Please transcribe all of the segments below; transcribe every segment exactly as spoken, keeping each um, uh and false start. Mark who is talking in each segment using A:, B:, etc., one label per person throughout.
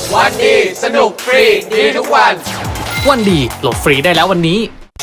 A: วันดีสนุกฟรีดีทุกวัน
B: วันดีโหลดฟรีได้แล้ววันนี้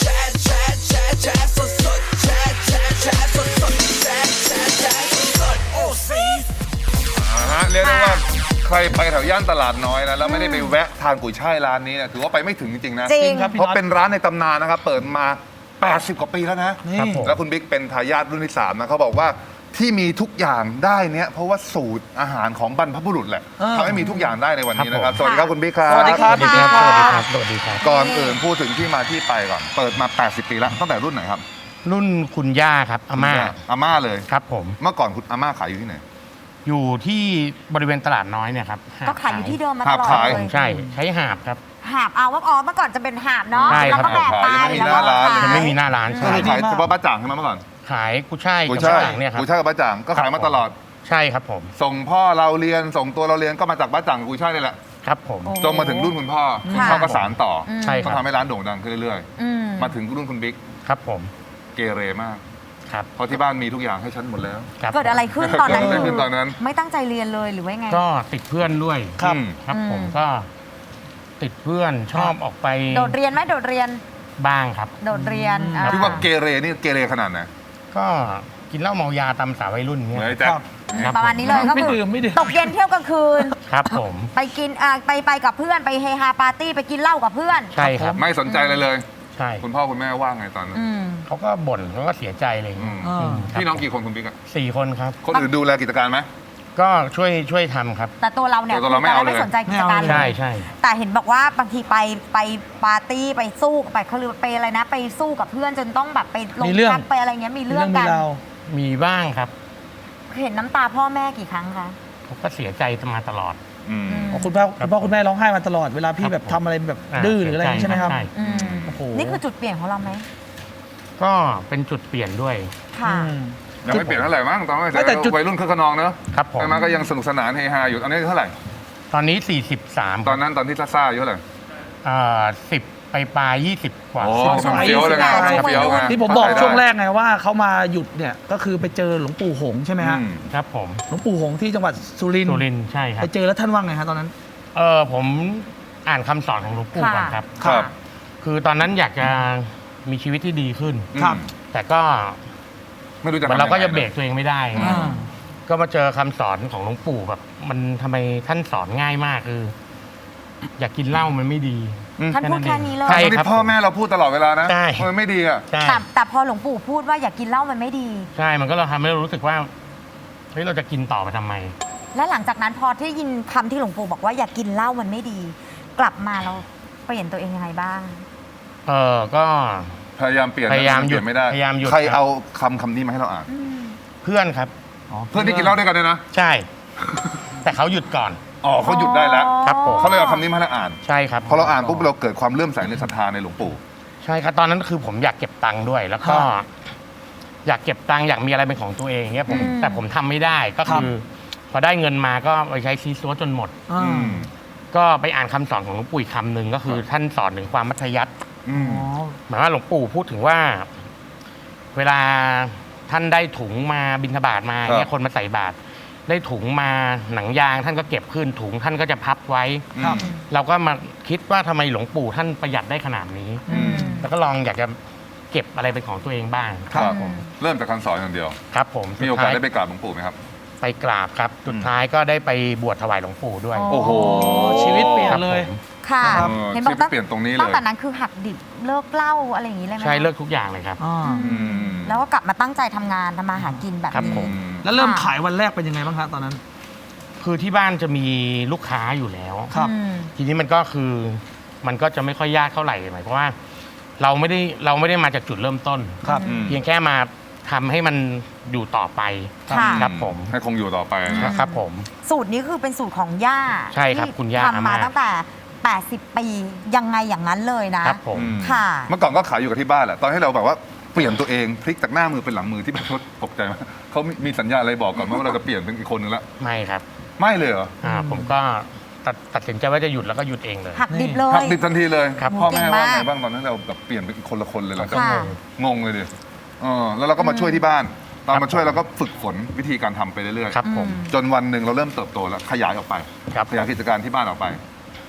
C: เรียกได้ว่าใครไปแถวย่านตลาดน้อยนะแล้วไม่ได้ไปแวะทานกุยช่ายร้านนี้นะถือว่าไปไม่ถึงจริงๆนะ
D: จริงครับ
C: เพราะเป็นร้านในตำนานนะครับเปิดมา แปดสิบ กว่าปีแล้วนะ
E: ครับผม
C: แล้วคุณบิ๊กเป็นทายาทรุ่นที่สามนะเขาบอกว่าที่มีทุกอย่างได้เนี่ยเพราะว่าสูตรอาหารของบรรพบุรุษแหละทำให้มีทุกอย่างได้ในวันนี้นะครับสวัสดีครับคุณบิ๊กครับ
E: สวัสดีครับ
B: สวัสดีครับ สวัสดีครับ สวัสดีครับ
C: ก่อนอื่นพูดถึงที่มาที่ไปก่อนเปิดมา แปดสิบ ปีแล้วตั้งแต่รุ่นไหนครับ
B: รุ่นคุณย่าครับอาม่า
C: อาม่าเลย
B: ครับผม
C: เมื่อก่อนคุณอาม่าขายอยู่ที่ไหน
B: อยู่ที่บริเวณตลาดน้อยเนี่ยครับ
D: ก็ขายอยู่ที่เดิมมาต
C: หาบ
D: ลอด
C: ขาย
D: เลย
B: ใช่ ใช้หาบครับ
D: หาบเอาว่าอ๋อเมื่อก่อนจะเป็นหาบเนาะ
B: ใช่
D: แล้ว
B: ครับ
D: ก็แบกไป
C: ยังไม่มี
D: แล้ว
C: หน้า
D: ก็
C: ร้าน
D: ขาย
B: ยังไม่มีหน้าร้าน
C: ก็
B: ใช่
C: คือขายเฉพาะบ้าจ่างใช่ไหมเมื่อก่อน
B: ขายกุ้ยช่าย
C: กุย
B: กับ
C: ช่าย
B: ต่างเนี่ยครับ
C: กุยช่ายกับบ้าจ่างก็ขายมาตลอด
B: ใช่ครับผม
C: ส่งพ่อเราเรียนส่งตัวเราเรียนก็มาจากบ้าจ่างกับกุยช่ายนี่แหละ
B: ครับผม
D: โอ้
C: จนมาถึงรุ่นคุณพ่อคุณ
D: ค่ะ
C: พ่อก็สานต่อ
D: อืม
B: ใช่ค
C: ก็
B: รับ
C: ทำให้ร้านโด่งดังขึ้นเรื่อย
D: อืม
C: ๆ มาถึงรุ่นคุณบิ๊ก
B: ครับผม
C: เกเรมาก
B: ครับ
C: เพราะที่บ้านมีทุกอย่างให้ฉันหมดแล้ว
B: ครับ
D: เกิดอะไรขึ้นตอนนั้น
C: เกิดอะไรขึ้นตอนนั้น
D: ไม่ตั้งใจเรียนเลยหรือว่าไง
B: ก็ติดเพื่อนด้วย
C: ครับ
B: ครับผม
D: อืม
B: ก็ติดเพื่อนชอบออกไป
D: โดดเรียนไหมโดดเรียน
B: บ้างครับ
D: โดดเรียนอ่
C: ที่ว่าเกเรนี่เกเรขนาดไหน
B: ก็กินเหล้าเมายาตามสาววัยรุ่นเนี่ย
C: เหมือนไอ้แจ๊ค
B: ครับ
D: ประมาณนี้เลยก็
E: ไม่
D: คือ
E: ดื่มไม่ดื่ม
D: ตกเย็นเที่ยวกลางคืน
B: ครับผม
D: ไปกินอ่าไปไปกับเพื่อนไปเฮฮาปาร์ตี้ไปกินเหล้ากับเพื่อน
B: ใช่ครับ
C: ไม่สนใจเลยเลย
B: ใช่
C: คุณพ่อคุณแม่ว่าไงตอนนั้น
D: อืม
B: เขาก็บ่นเขาก็เสียใจอะไรอย่าง
C: อื
B: เงี้ย
C: ม
E: อ่า
B: อืมครับ
C: พี่น้องกี่คนคุณบิ๊กอะ
B: สี่คนครับ
C: คนอื่นดูแลกิจการไหม
B: ก็ช่วยช่วยทำครับ
D: แต่ตัวเราเนี่ย
C: แต่ตัวเราไม่เอาเลย
D: ไม่สนใจกิจการเลย
B: ใช่ใช่
D: แต่เห็นบอกว่าบางทีไปไปปาร์ตี้ไปสู้ไปเขาเรียกว่าไปอะไรนะ ไปสู้กับเพื่อนจนต้องแบบไปลง
E: มีเรื่อง
D: พักไปอะไรเงี้ยมี
E: มี
D: เรื่
E: เรื่
D: อ
E: อง ง
D: กั
E: มี
D: น
E: ราว
B: มีบ้างครับ
D: เห็นน้ำตาพ่อแม่กี่ครั้งคะ
B: เขาก็เสียใจมาตลอด
C: อืม
E: อ๋อคุณพ่อคุณพ่อคุณแม่ร้องไห้มาตลอดเวลาพี่แบบ
B: ครับ
E: ทำอะไรแบบ
B: อ่า
E: ดื้อหรืออะไรอย่างนี้ใช่ไหมครับ
B: ใช่
D: อืม
E: โอ้โห
D: นี่คือจุดเปลี่ยนของเราไหม
B: ก็เป็นจุดเปลี่ยนด้วย
D: ค่ะ
E: อืม
C: ยังไม่เปลี่ยนเท่าไหร่มั้งตอนนั้น
E: ไม่แต่จุด
C: วัยรุ่นคึกขนองเนอะ
B: ครับผม
C: ใช่ไหมก็ยังสนุกสนานเฮฮาอยู่อันนี้เท่าไหร่
B: ตอนนี้ สี่สิบสาม
C: ตอนนั้นตอนที่ซ่าๆอายู่เท่าไหร่
B: เอ่อสิบไปปลายยี่สิบกว่า
C: โอ้
B: สิบ
C: มันเฟี้ยวเลยไง
D: ใช่
C: มันเฟี้ยวไง
E: ที่ผมบอก
C: เข้าใจได้
E: ช่วงแรกไงว่าเขามาหยุดเนี่ยก็คือไปเจอหลวงปู่หงส์ใช่ไหมฮะ
C: อืม
B: ครับผม
E: หลวงปู่หงส์ที่จังหวัดสุรินทร์
B: สุรินทร์ใช่ครั
E: ไป
B: บ
E: เจอแล้วท่านว่าไงฮะตอนนั้น
B: เออผมอ่านคำสอนของหลวงปู่ก่อนครับ
C: ครับ
B: คือตอนนั้นอยากจะมีชีวิตที่ดีขึ้น
E: ครับ
B: แต่ก็
C: ไม่รู้จะ
B: เหมือน
C: ทำ
B: เราก็
C: ยังไง
B: จะเบรกตัวเองไม่ได้
C: อืม
B: ก็มาเจอคำสอนของหลวงปู่แบบ มันทำไมท่านสอนง่ายมากคือ อยากกินเหล้ามันไม่ดี
D: ท่านพูดแค่นี้เลย
B: ใช่
C: ตอน
B: ครั
C: นี้
B: บ
C: พ่อแม่เราพูดตลอดเวลานะ
B: ใช่
C: มันไม่ดีอ่ะ
B: ใช่
D: แต่แต่พอหลวงปู่พูดว่าอย่ากินเหล้ามันไม่ดี
B: ใช่ มันก็เราทำให้เรารู้สึกว่าเฮ้ยเราจะกินต่อไปทำไม
D: และหลังจากนั้นพอที่ยินคำที่หลวงปู่บอกว่าอย่ากินเหล้ามันไม่ดี กลับมาเราเปลี่ยนตัวเองยังไงบ้าง
B: เออก็
C: พยายามเปลี่ยน
B: พยายาม
C: เปลี่ยนไม่ได้
B: พยายามหยุด
C: ใคร
B: ครับ
C: เอาคำคำนี้มาให้เราอ่าน
B: เพื่อนครับ
C: เพื่อนที่กินเหล้าด้วยกันเนี่ยนะ
B: ใช่ แต่เขาหยุดก่อน
C: อ๋อเขาหยุดได้แล้ว
B: ครับผม
C: เขาเลยเอาคำนี้มาให้เราอ่าน
B: ใช่ครับ
C: พอเราอ่านปุ๊บเราเกิดความเลื่อมใสในศรัทธาในหลวงปู่
B: ใช่ครับตอนนั้นคือผมอยากเก็บตังค์ด้วย แล้วก็ อยากเก็บตังค์อยากมีอะไรเป็นของตัวเองเงี้ยผม
D: อืม
B: แต่ผมทำไม่ได้ก็คือ พอได้เงินมาก็ไปใช้ซีซัวจนหมด
E: อ่า
C: อืม
B: ก็ไปอ่านคำสอนของหลวงปู่อีกคำหนึ่งก็คือท่านสอนถึงความมัธยัสถ์
C: อืม
E: อ๋อ
B: หมายว่าหลวงปู่พูดถึงว่า เวลาท่านได้ถุงมาบิณฑบาตมาเนี่ยคนมาใส่บาตรได้ถุงมาหนังยางท่านก็เก็บขึ้นถุงท่านก็จะพับไว้
E: ครับ
B: เราก็มาคิดว่าทำไมหลวงปู่ท่านประหยัดได้ขนาดนี้
C: อืม
B: แล้วก็ลองอยากจะเก็บอะไรเป็นของตัวเองบ้าง
C: ครับ
D: อืม
C: เริ่มจากคำสอนอย่างเดียว
B: ครับผม
C: มีโอกาส
B: สุ
C: ได้
B: ท้ย
C: ไปกราบหลวงปู่ไหมครับ
B: ไปกราบครับ สุดท้ายก็ได้ไปบวชถวายหลวงปู่ด้วย
C: โอ้โห
E: ชีวิตเปลี่ยน
B: ครับ
E: เลย
B: ผม
D: ค่ะ
C: ครับ
D: เห็นบอกตั้ง
C: ชีวิตเปลี่ยนตรงนี้เลย
D: ตั้งแต่นั้นคือหักดิบเลิกเหล้าอะไรอย่างนี้เลยไหม
B: ใช่เลิกทุกอย่างเลยครับ
E: อ่า
C: อืม
D: แล้วก็กลับมาตั้งใจทำงานทำมาหากินแบบ
B: ครับ
D: นี้
B: ผม
E: แล้วเริ่มขายวันแรกเป็นยังไงบ้างครับตอนนั้น
B: คือที่บ้านจะมีลูกค้าอยู่แล้ว
E: ครับ
D: อืม
B: ทีนี้มันก็คือมันก็จะไม่ค่อยยากเท่าไหร่หมายความว่า เราไม่ได้เราไม่ได้มาจากจุดเริ่มต้น
E: ครับ
C: อืม
B: เพียงแค่มาทำให้มันอยู่ต่อไป
D: ค่ะ
B: ครับผม
C: ให้คงอยู่ต่อไป
D: อืม
B: ครับผม
D: สูตรนี้คือเป็นสูตรของย่า
B: ใช่ครับ
D: ที่
B: คุณย่า
D: ทำมา
B: อาม่า
D: ตั้งแต่ แปดสิบ ปียังไงอย่างนั้นเลยนะ
B: ครับผม
C: อืม
D: ค่ะ
C: เมื่อก่อนก็ขายอยู่กับที่บ้านแหละตอนให้เราแบบว่าเปลี่ยนตัวเองพลิกจากหน้ามือเป็นหลังมือที่แบบตกใจมากเขามีมีสัญญาอะไรบอกก่อนไหมว่าเราจะเปลี่ยนเป็นอีกคนนึงละ
B: ไม่ครับ
C: ไม่เลยเหรอ
B: อ่าผมก็ตัดตัดสินใจว่าจะหยุดแล้วก็หยุดเองเลย
D: หักดิบเล
C: หัก
D: ย
C: ดิบทันทีเลย
B: ครับ
C: พ่อแม่ว่าไง
D: เก่งมาก
C: บ้างตอนนั้นเราแบบเปลี่ยนเป็นคนละคนเลยเหรอ
D: ค่ะ
C: งงเลยดิเออแล้วเราก็มาช่วยที่บ้าน ตอน
B: ครับ
C: มาช่วยเราก็ฝึกฝนวิธีการทำไปเรื่อย
B: ครับผม
C: จนวันหนึ่งเราเริ่มเติบโตแล้วขยายออกไป
B: ครับ
C: ขยายกิจการที่บ้านออกไป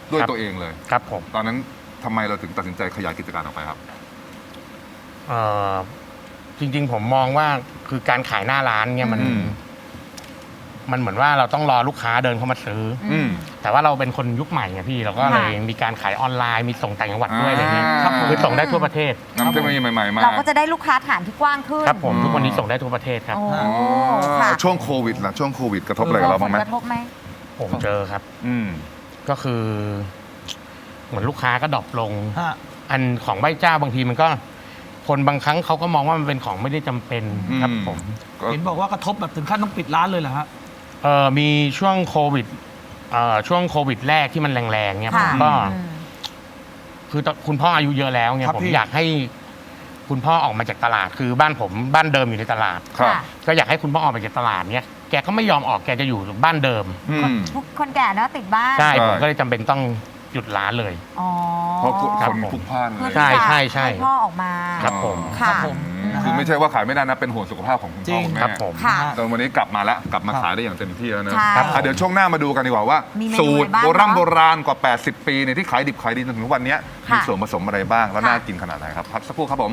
C: ด้วย
B: ครับ
C: ตัวเองเลย
B: ครับผม
C: ตอนนั้นทำไมเราถึงตัดสินใจขยายกิจการออกไปครับ
B: เอ่อจริงๆผมมองว่าคือการขายหน้าร้านเนี่ยมัน
C: อืม
B: มันเหมือนว่าเราต้องรอลูกค้าเดินเข้ามาซื้ออ
C: อืม
B: แต่ว่าเราเป็นคนยุคใหม่ไงพี่เราก็เลยมีการขายออนไลน์มีส่งต่างจังหวัดด้วยอะไรเงี้ย
C: ครับ
B: คือส่งได้ทั่วประเทศ
C: นำเทคโนโลยีใหม่ๆมา
D: เราก็จะได้ลูกค้าฐานที่กว้างขึ้น
B: ครับผม
C: อืม
B: ทุกวันนี้ส่งได้ทั่วประเทศครับ
D: โอ้
C: อ๋อ
D: ค่ะ
C: ช่วงโควิดล่ะช่วงโควิดกระทบอะไรกับเราบ้างไหม
D: ผลกระทบไหม
B: ผมเจอครับ
C: อืม
B: ก็คือ เหมือนลูกค้าก็ดรอปลง
E: ฮะ
B: อันของใบเจ้าบางทีมันก็ คนบางครั้งเขาก็มองว่ามันเป็นของไม่ได้จำเป็นครับ
C: อืม
B: ผม
C: ก็
E: เห็นบอกว่ากระทบแบบถึงขั้นต้องปิดร้านเลยเหรอฮะ
B: เออมีช่วงโควิดเอ่อช่วงโควิดแรกที่มันแรงๆเนี่ยผ
D: ค่ะ
B: มก็
D: อืม
B: คือตอนคุณพ่ออายุเยอะแล้วเนี่ย
E: ครับ
B: ผม
E: พี่
B: อยากให้คุณพ่อออกมาจากตลาด คือบ้านผมบ้านเดิมอยู่ในตลาด
C: ครับ
D: ค่ะ
B: ก็อยากให้คุณพ่อออกมาจากตลาดเนี่ยแกก็ไม่ยอมออกแกจะอยู่บ้านเดิม
C: อืม
D: พวกคนแก่เนอะติดบ้าน
B: ใช่
C: ใช่
B: ผมก็เลยจำเป็นต้องหยุดร้านเลย
D: อ๋อ
C: เพราะคน
B: ครับผม
C: พลุกพล่านเล
D: เพื่อย
B: ใช่
D: ที่จะ
B: ใช่ใช่
D: ห้พ่อออกมา
B: ครับผม
D: ค่ะ
E: ครับผม
C: อืมคือไม่ใช่ว่าขายไม่ได้นะ เป็นห่วงสุขภาพของคุณ
E: จริ
C: พ่อง คุณแม่
B: ครับผม
D: ค่ะ
C: แต่วันนี้กลับมาแล้วกลับมา
E: ครับ
C: ขายได้อย่างเต็มที่แล้วนะ
D: ใช่
B: ครับ
C: อ่ะเดี๋ยวช่วงหน้ามาดูกันดีกว่าว่า
D: มีเมนู
C: สูตร
D: อะไรบ้าง
C: โบราณ
D: เนอะ
C: โบราณกว่า แปดสิบ ปีเนี่ยที่ขายดิบขายดีจนถึงวันเนี้ย
D: ค่ะ
C: มีส่วนผสมอะไรบ้าง แล้ว
D: ค่ะ
C: น่ากินขนาดไหนครับพักสักครู่ครับผม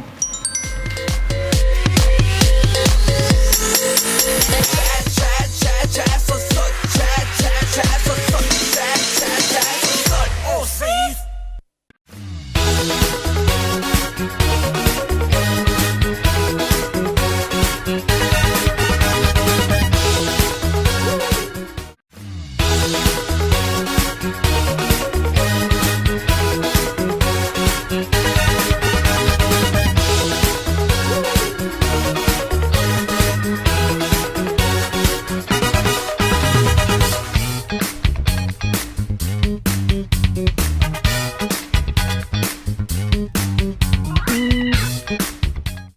F: แชร์แชร์แชร์สดสดแชร์แชร์แชร์สดสด